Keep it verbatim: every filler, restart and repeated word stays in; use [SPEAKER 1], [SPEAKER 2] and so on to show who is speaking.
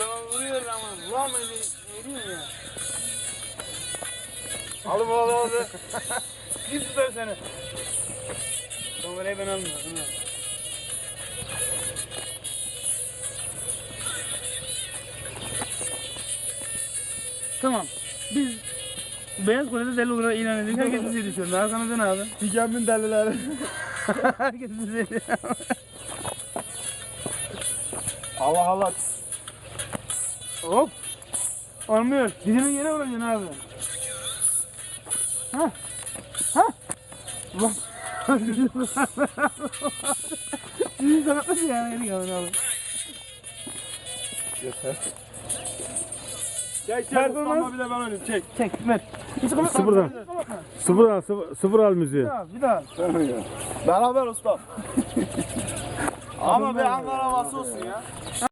[SPEAKER 1] Adamı vuruyor ama vuramıyor. Eriyor ya. Alıp al abi. Kim tutar seni? Kamerayı ben almıyorum. Tamam. Biz Beyaz Kule'de deli olarak ilan edildik. Herkes bizi düşürdü. Arkamızda ne abi?
[SPEAKER 2] Dikenmin delileri.
[SPEAKER 1] Herkes bizi
[SPEAKER 2] Allah Allah.
[SPEAKER 1] Hop. Olmuyor. Dizinin yere vuracaksın abi. Ha. Ha. Bak. Dizini sakatlasın yani. Yeni geldin abi.
[SPEAKER 2] Yeter.
[SPEAKER 1] Çek çek.
[SPEAKER 2] Performans bile ben oynayayım. Çek.
[SPEAKER 1] Çek. Ver. Hiç kapatma.
[SPEAKER 3] Sıfırdan.
[SPEAKER 1] Hiç kapatma.
[SPEAKER 3] Sıfır al, sıfır, sıfır al müziği.
[SPEAKER 1] Bir daha. Bir daha.
[SPEAKER 2] Beraber usta. Ama bir Ankara havası olsun ya.